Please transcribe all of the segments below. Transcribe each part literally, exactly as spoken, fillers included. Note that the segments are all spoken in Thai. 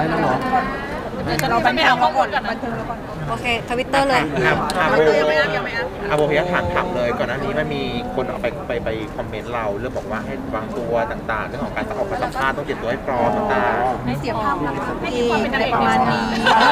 แล้วเหรอจะเราไปไม่เอาข้อมูลก่อนบันเทิงแล้วก่อนโอเคทวิตเตอร์เลยอาโบยังไม่อัพยังไม่อัพอาโบพี่ถามถามเลยก่อนหน้านี้มันมีคนเอาไปไปไปคอมเมนต์เราเรื่องบอกว่าให้วางตัวต่างๆเรื่องของการออกมาสัมภาษณ์ต้องเตรียมตัวให้พร้อมต่างๆให้เสียภาพลักษณ์ที่ประมาณนี้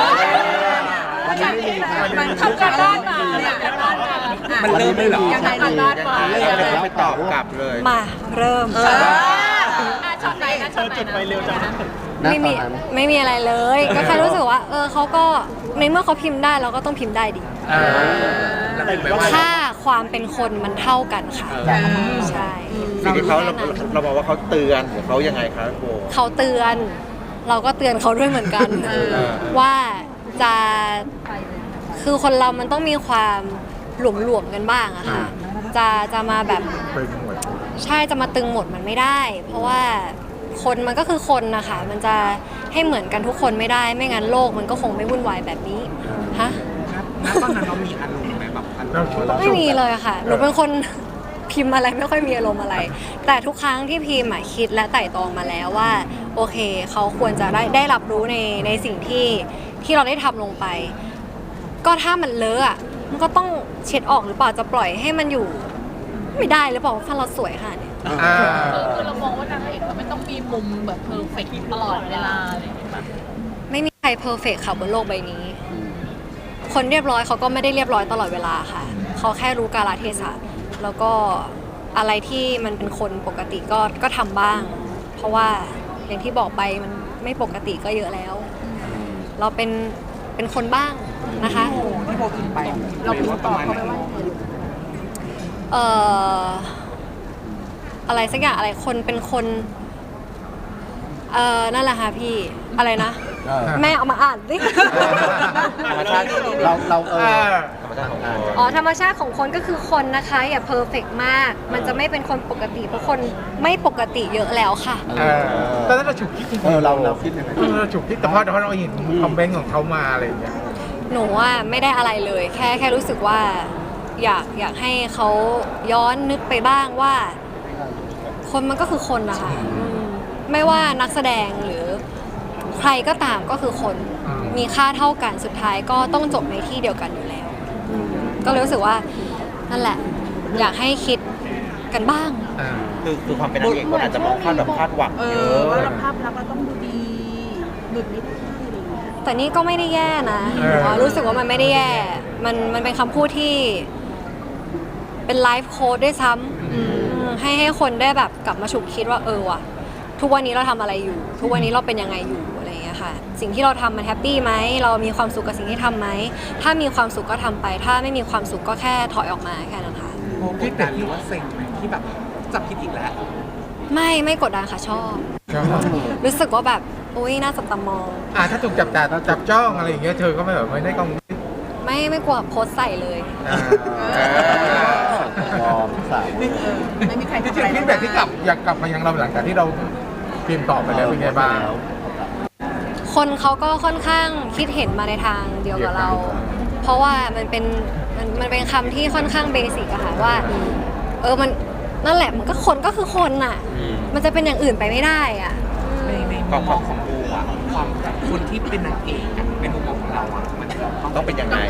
มันทำการบ้านมาเนี่ยมันเริ่มไม่หรอยังไงการบ้านมาเลยไม่ตอบกลับเลยมาเริ่มช็อตไหนนะช็อตจุดไปเร็วจังไม่มีไม่มีอะไรเลยก็แค่รู้สึกว่าเออเขาก็ในเมื่อเขาพิมพ์ได้เราก็ต้องพิมพ์ได้ดิถ้าความเป็นคนมันเท่ากันค่ะใช่สิ่งที่เขาเราเราบอกว่าเขาเตือนหรือเขายังไงครับโบเขาเตือนเราก็เตือนเขาด้วยเหมือนกันว่าจะคือคนเรามันต้องมีความหลวมๆกันบ้างอะค่ะจะจะมาแบบใช่จะมาตึงหมดมันไม่ได้ เพราะว่าคนมันก็คือคนนะคะมันจะให้เหมือนกันทุกคนไม่ได้ไม่งั้นโลกมันก็คงไม่วุ่นวายแบบนี้ฮะตอนนั้นเรามีอารมณ์ไหมแบบไม่มีเลยค่ะหนูเป็นคนพิมพ์อะไรไม่ค่อยมีอารมณ์อะไรแต่ทุกครั้งที่พิมพ์คิดและไต่ตรองมาแล้วว่าโอเคเขาควรจะได้ได้รับรู้ในในสิ่งที่ที่เราได้ทำลงไปก็ถ้ามันเลอะมันก็ต้องเช็ดออกหรือเปล่าจะปล่อยให้มันอยู่ไม่ได้หรือเปล่าฟันเราสวยค่ะเนี่ยคือเรามองว่านางเอกเขาไม่ต้องมีมุมแบบเพอร์เฟกต์ตลอดเวลาอะไรอย่างเงี้ยไม่มีใครเพอร์เฟกต์ค่ะบนโลกใบนี้คนเรียบร้อยเขาก็ไม่ได้เรียบร้อยตลอดเวลาค่ะเขาแค่รู้กาลเทศะแล้วก็อะไรที่มันเป็นคนปกติก็ก็ทำบ้างเพราะว่าอย่างที่บอกไปมันไม่ปกติก็เยอะแล้วเราเป็นเป็นคนบ้างนะคะที่โบกินไปเราพิมพ์ตอบเขาไปว่าเอ่ออะไรสักอย่างอะไรคนเป็นคนเอ่อนั่นแหละค่ะพี่อะไรนะแม่เอามาอ่านดิธรรมชาติเราเราเอออ๋อธรรมชาติของคนก็คือคนนะคะอย่าเพอร์เฟกต์มากมันจะไม่เป็นคนปกติเพราะคนไม่ปกติเยอะแล้วค่ะตอนนั้นเราฉุกคิดเออเราเราคิดยังไงเราฉุกคิดแต่พอแต่พอเราเห็นคอมเมนต์ของเขามาอะไรอย่างเงี้ยหนูว่าไม่ได้อะไรเลยแค่แค่รู้สึกว่าอยากอยากให้เขาย้อนนึกไปบ้างว่าคนมันก็คือคนนะคะไม่ว่านักแสดงหรือใครก็ตามก็คือคนมีค่าเท่ากันสุดท้ายก็ต้องจบในที่เดียวกันอยู่แล้วก็เลยรู้สึกว่านั่นแหละอยากให้คิดกันบ้างคือคือความเป็นนางเอกคนอาจจะมองคาดแบบคาดหวังเยอะว่าภาพลักษณ์เราต้องดูดีหลุดไม่ได้แต่นี่ก็ไม่ได้แย่นะรู้สึกว่ามันไม่ได้แย่มันมันเป็นคำพูดที่เป็นไลฟ์โค้ดด้วยซ้ำให้ให้คนได้แบบกลับมาฉุกคิดว่าเออว่ะทุกวันนี้เราทำอะไรอยู่ทุกวันนี้เราเป็นยังไงอยู่อะไรอย่างเงี้ยค่ะสิ่งที่เราทำมันแฮปปี้ไหมเรามีความสุขกับสิ่งที่ทำไหมถ้ามีความสุขก็ทำไปถ้าไม่มีความสุขก็แค่ถอยออกมาแค่นั้นค่ะคิดแต่ที่ว่าเซ็งไหมที่แบบจับผิดอีกแล้วไม่ไม่กดดันค่ะชอบรู้สึกว่าแบบอุ้ยน่าจับตามองอ่าถ้าถูกจับจ่าจับจ้องอะไรอย่างเงี้ยเธอก็ไม่แบบไม่ได้กังวลไม่ไม่กลัวโพสใส่เลยไม่มีใครที่จะคิดแบบที่กลับอยากกลับมายังเราหลังจากที่เราพิมพ์ตอบไปแล้วเป็นไงบ้างคนเขาก็ค่อนข้างคิดเห็นมาในทางเดียวกับเราเพราะว่ามันเป็นมันมันเป็นคำที่ค่อนข้างเบสิกอะค่ะว่าเออมันนั่นแหละมันก็คนก็คือคนน่ะมันจะเป็นอย่างอื่นไปไม่ได้อ่ะในในมุมมองของดูอ่ะความคนที่เป็นนางเอกในมุมมองของเราอ่ะมันต้องเป็นยังไง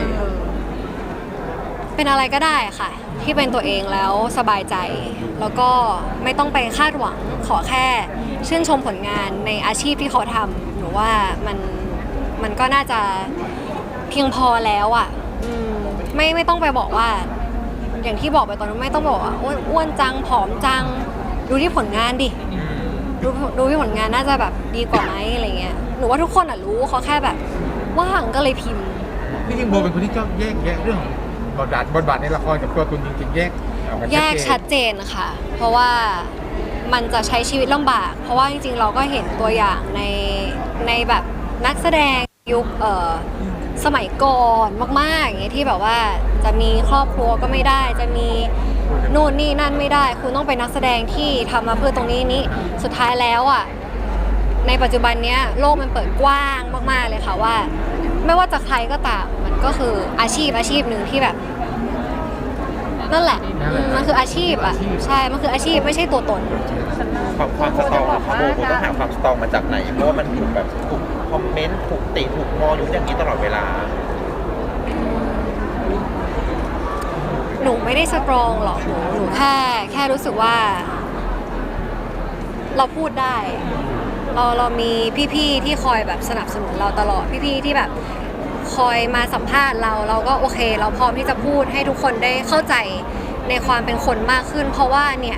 เป็นอะไรก็ได้ค่ะที่เป็นตัวเองแล้วสบายใจแล้วก็ไม่ต้องไปคาดหวังขอแค่ชื่นชมผลงานในอาชีพที่เขาทำหนูว่ามันมันก็น่าจะเพียงพอแล้วอ่ะไม่ไม่ต้องไปบอกว่าอย่างที่บอกไปตอนนั้นไม่ต้องบอกว่าโอ๊ยอ้วนจังผอมจังดูที่ผลงานดิดูดูที่ผลงานน่าจะแบบดีกว่าไหมอะไรเงี้ยหนูว่าทุกคนอ่ะรู้เขาแค่แบบว่างก็เลยพิมพ์ที่จริงโบเป็นคนที่ชอบแยกแยะเรื่องของบทบาทบทบาทในละครกับตัวตนจริงๆแยกแยกชัดเจนค่ะเพราะว่ามันจะใช้ชีวิตลำบากเพราะว่าจริงๆเราก็เห็นตัวอย่างในในแบบนักแสดงยุคเอ่อสมัยก่อนมากๆอย่างเงี้ยที่แบบว่าจะมีครอบครัวก็ไม่ได้จะมีนู่นนี่นั่นไม่ได้คุณต้องเป็นนักแสดงที่ทำมาเพื่อตรงนี้นี้สุดท้ายแล้วอ่ะในปัจจุบันเนี้ยโลกมันเปิดกว้างมากๆเลยค่ะว่าไม่ว่าจะใครก็ตามมันก็คืออาชีพอาชีพหนึ่งที่แบบนั่นแหละมันคืออาชีพอ่ะใช่มันคืออาชีพไม่ใช่ตัวตนความความสตรองของโบต้องหาความสตรองมาจากไหนเพราะว่ามันถูกแบบถูกคอมเมนต์ถูกติถูกมองอยู่อย่างนี้ตลอดเวลาหนูไม่ได้สตรองหรอกหนูหนูแค่แค่รู้สึกว่า เราพูดได้ เราเรามีพี่ๆที่คอยแบบสนับสนุนเราตลอดพี่ๆที่แบบคอยมาสัมภาษณ์เราเราก็โอเค เราพร้อมที่จะพูดให้ทุกคนได้เข้าใจในความเป็นคนมากขึ้น เพราะว่าเนี่ย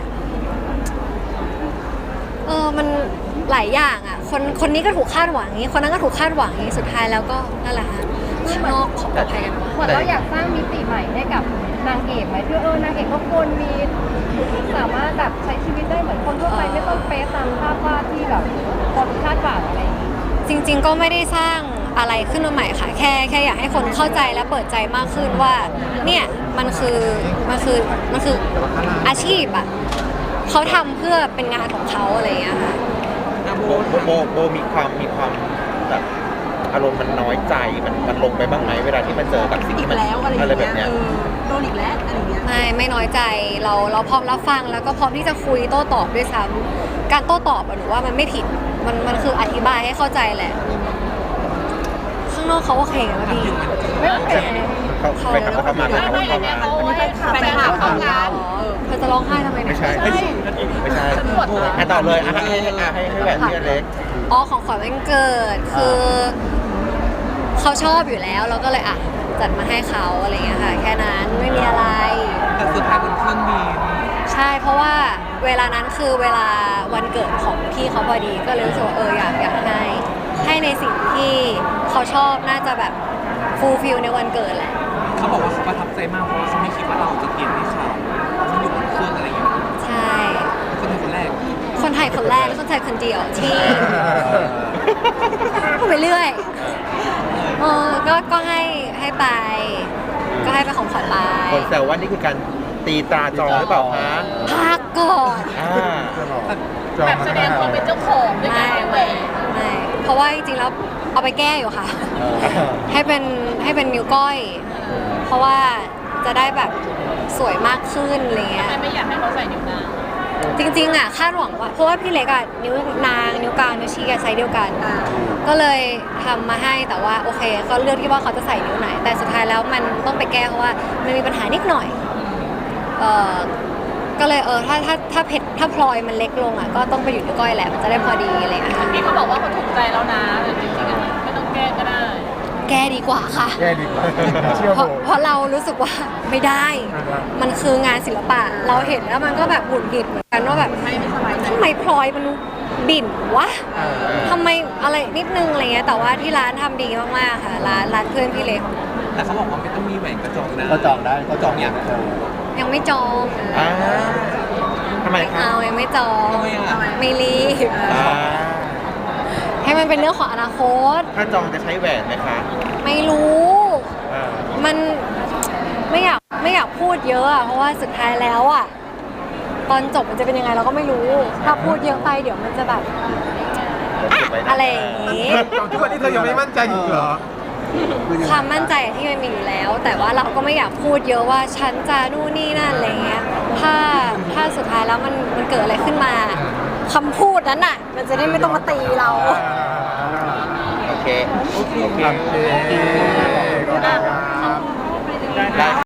เออมันหลายอย่างอ่ะคนคนนี้ก็ถูกคาดหวังอย่างนี้คนนั้นก็ถูกคาดหวังอย่างนี้สุดท้ายแล้วก็นั่นแหละฮะข้างนอกของใครกันวะเหมือนเราอยากสร้างมิติใหม่ให้กับนางเอกไหมที่เออนางเอกก็ควรมีสามารถแบบใช้ชีวิตได้เหมือนคนทั่วไปไม่ต้องเป๊ะตามภาพวาดที่แบบคนคาดหวังอะไรอย่างนี้จริงๆก็ไม่ได้สร้างอะไรขึ้นมาใหม่ค่ะ แค่แค่อยากให้คนเข้าใจและเปิดใจมากขึ้นว่าเนี่ยมันคือมันคือมันคืออาชีพอ่ะเขาทำเพื่อเป็นงานของเขาอะไรอย่างเงี้ยค่ะโบโบโบโบมีความมีความแบบอารมณ์มันน้อยใจมันมันลงไปบ้างไหมเวลาที่มันเจอกับสิ่งอีที่กมันแล้วอะไรออะไรย่างแบเงี้บยเนี้ยเออโดนอีกแล้วอะไรอย่างเงี้ยไม่ไม่น้อยใจเราเราพร้อมรับฟังแล้วก็พร้อมที่จะคุยโต้ตอบด้วยซ้ำการโต้ตอบอะหนูว่ามันไม่ผิดมันมันคืออธิบายให้เข้าใจแหละ ข้างนอกเขาโอเคกันไหมพี่ไม่โอเคเขาไปทำเขามาไม่เขาไม่อัเข้านเนี้มายเขาให้แฟนคลับทำงานอ๋อเธอจะร้องไห้ทำไมเนี่ยไม่ใช่ไม่ใช่ไม่ใช่ฉันปวดหลังให้ต่อเลยอ่ะให้ให้ให้ให้ให้แบบพี่อเล็กอ๋อของขวัญวันเกิดคือเขาชอบอยู่แล้วเราก็เลยอ่ะจัดมาให้เขาอะไรอย่างเงี้ยค่ะแค่นั้นไม่มีอะไรแต่สุดท้ายเป็นเครื่องบินใช่เพราะว่าเวลานั้นคือเวลาวันเกิดของพี่เขาพอดีก็เลยรู้สึกว่าเอออยากอยากให้ให้ในสิ่งที่เขาชอบน่าจะแบบฟูลฟิลในวันเกิดแหละเขาบอกว่าเขาประทับใจมากเพราะว่าเขาไม่คิดว่าเราจะเปลี่ยนให้เขาเขาอยู่บนเครื่องอะไรอย่างเงี้ยใช่คนเป็นคนแรกคนไทยคนแรกและคนไทยคนเดียวที่พูดไปเรื่อยเออก็ก็ให้ให้ไป ก็ให้เป็นของขวัญไปคนแซวว่านี่คือการตีตราจองหรือเปล่าคะพักก่อนอ่าแบบแสดงความเป็นเจ้าของด้วยการให้แหวนไม่เพราะว่าจริงๆแล้วเอาไปแก้อยู่ค่ะ ให้เป็นให้เป็นนิ้วก้อย เพราะว่าจะได้แบบสวยมากขึ้นอะไรเงี้ยไม่ไม่อยากให้เขาใส่นิ้วนางจริงๆอ่ะคาดหวังว่าเพราะว่าพี่เล็กอ่ะนิ้วนางนิ้วกลางนิ้วชี้อะไซส์เดียวกัน ก็เลยทำมาให้แต่ว่าโอเคก็เลือกที่ว่าเขาจะใส่นิ้วไหน แต่สุดท้ายแล้วมันต้องไปแก้เพราะว่ามันมีปัญหานิดหน่อยเออก็เลยเออถ้าถ้าถ้าเพชรถ้าพลอยมันเล็กลงอ่ะก็ต้องไปอยู่ที่ก้อยแหละมันจะได้พอดีอะไรอย่างเงี้ยค่ะพี่เขาบอกว่าเขาถูกใจแล้วนะแต่จริงๆอะไม่ต้องแก้ก็ได้แก้ดีกว่าค่ะแย่ดีกว่าเชื่อเพโบราะเพราะเรารู้สึกว่าไม่ได้ มันคืองานศิลปะ เราเห็นแล้วมันก็แบบหงุดหงิดเหมือนกันว่าแบบไม่ไม่สบายใจทำไมพลอยมันบิ่นวะทำไมอะไรนิดนึงอะไรเงี้ยแต่ว่าที่ร้านทำดีมากๆค่ะร้านร้านเพื่อนพี่เล็กแต่เขาบอกว่าไม่ต้องมีแหวนกระจองนะก็จองได้ก็จองอย่างยังไม่จองอ่าทำไมไม่คะเอายังไม่จองทำไมอ่ะไม่รีบอ่าให้มันเป็นเรื่องของอนาคตถ้าจองจะใช้แหวนไหมคะไม่รู้อ่ามันไม่อยากไม่อยากพูดเยอะอะเพราะว่าสุดท้ายแล้วอะตอนจบมันจะเป็นยังไงเราก็ไม่รู้ ถ้าพูดเยอะไปเดี๋ยวมันจะแบบอะอะไรอย่างงี้ทุกวันนี้เธอยังไม่มั่นใจอีกเหรอความมั่นใจที่มันมีอยู่แล้ว แต่ว่าเราก็ไม่อยากพูดเยอะว่าฉันจะนู่นนี่นั่นอะไรเงี้ยถ้าถ้าสุดท้ายแล้วมันมันเกิดอะไรขึ้นมาคำพูดนั้นน่ะ มันจะได้ไม่ต้องมาตีเราโอเค โอเคโอเคได้